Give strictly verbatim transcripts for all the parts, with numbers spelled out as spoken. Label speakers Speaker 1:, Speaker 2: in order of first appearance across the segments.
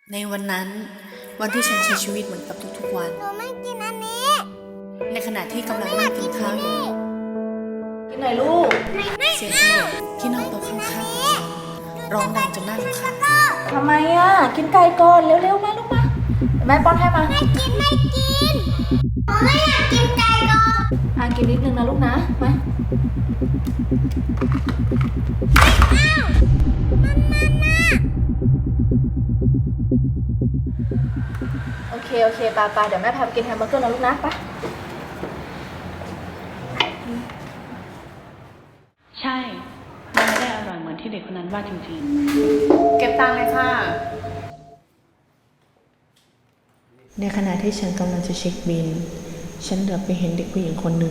Speaker 1: ในวันนั้นวันที่ฉันใช้ชีวิตเหมือนกับทุกๆวัน
Speaker 2: หนูไม่กินอันนี้
Speaker 1: ในขณะที่กำลังนั่งกินข้าวอยู่
Speaker 3: กินหน่อยลูก
Speaker 1: เสียงเด็กที่นั่งโต๊ะข้างๆของฉันร้องดังจนน่ารำคาญ
Speaker 3: ทำไมอ่ะ กินไก่ก่อนเร็วๆมาลูกมาเดี๋ยวแม่ป้อนให้มา
Speaker 2: ไม่กินไม่กินหนูไม่อยากกินไก่ก่อน
Speaker 3: อ่ะกินนิดนึงนะลูกนะมาโอเคโอเคปาปาเดี๋ยวแม่พาไปกินแฮมเบอร์เกอร์นะลูกนะไป
Speaker 4: ใช่มันไม่ได้อร่อยเหมือนที่เด็กคนนั้นว่าจริง
Speaker 1: เก็บตังค์เลยค่ะ
Speaker 5: ในขณะที่ฉันกำลังจะเช็คบิล ฉันเหลือบไปเห็นเด็กผู้หญิงคนหนึ่ง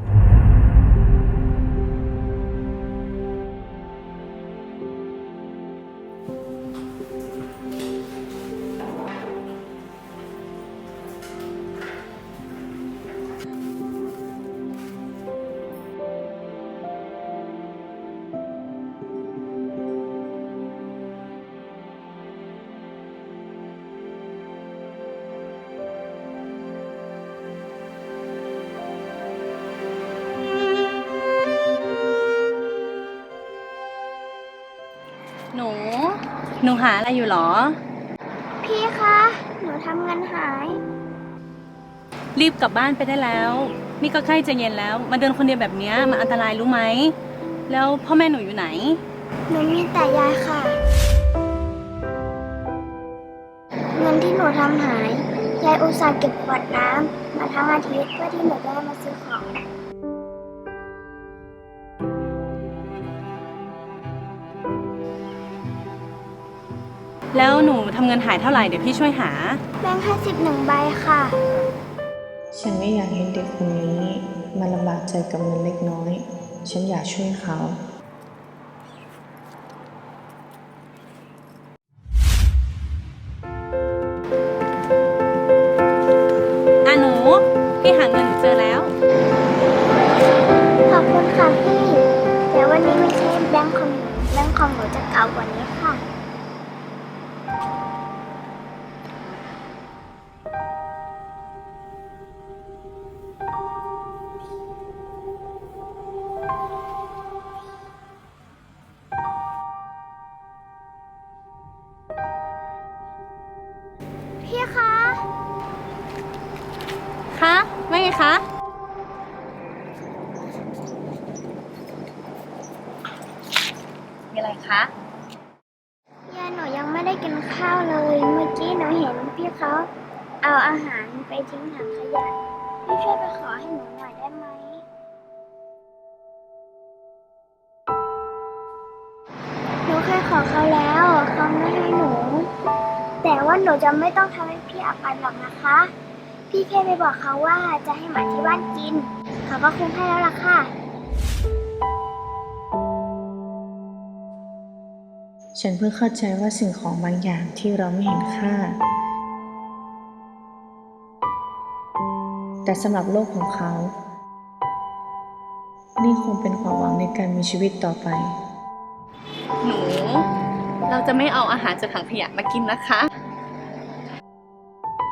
Speaker 4: ๆ หนู หนูหาอะไรอยู่หรอ
Speaker 2: พี่คะ หนูทำเงินหาย
Speaker 4: รีบกลับบ้านไปได้แล้ว นี่ก็ใกล้จะเย็นแล้ว มาเดินคนเดียวแบบนี้มันอันตรายรู้ไหม แล้วพ่อแม่หนูอยู่ไหน
Speaker 2: หนูมีแต่ยายค่ะ เงินที่หนูทำหาย ยายอุตส่าห์เก็บขวดน้ำมาทั้งอาทิตย์เพื่อที่หนูจะได้มาซื้อของ
Speaker 4: แล้วหนูทำเงินหายเท่าไหร่เดี๋ยวพี่ช่วยหา
Speaker 2: แบงค์ห้าสิบหนึ่งใบค่ะ
Speaker 5: ฉันไม่อยากเห็นเด็กคนนี้มาลำบากใจกับเงินเล็กน้อย ฉันอยากช่วยเขา
Speaker 4: อ่ะหนู พี่หาเงินหนูเจอแล้ว
Speaker 2: ขอบคุณค่ะพี่ แต่วันนี้ไม่ใช่แบงค์ของหนูแบงค์ของหนูจะเก่ากว่านี้ค่ะ พี่คะ
Speaker 4: คะว่าไงคะ มีอะไรคะ
Speaker 2: ยายหนูยังไม่ได้กินข้าวเลย เมื่อกี้หนูเห็นพี่เขาเอาอาหารไปทิ้งถังขยะ พี่ช่วยไปขอให้หนูหน่อยได้ไหม หนูเคยขอเขาแล้วเขาไม่ให้หนู แต่ว่าหนูจะไม่ต้องทำให้พี่อับอายหรอกนะคะ พี่แค่ไปบอกเขาว่าจะให้หมาที่บ้านกิน เขาก็คงให้แล้วล่ะค่ะ
Speaker 5: ฉันเพิ่งเข้าใจว่าสิ่งของบางอย่างที่เราไม่เห็นค่า แต่สำหรับโลกของเขา นี่คงเป็นความหวังในการมีชีวิตต่อไป
Speaker 4: หนู เราจะไม่เอาอาหารจากถังขยะมากินนะคะ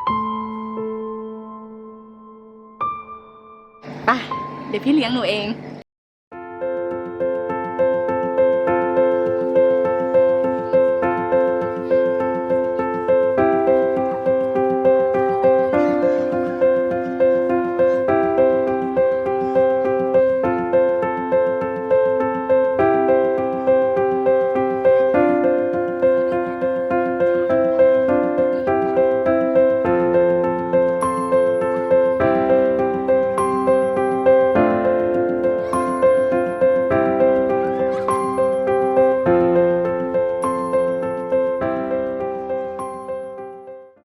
Speaker 4: ไป เดี๋ยวพี่เลี้ยงหนูเอง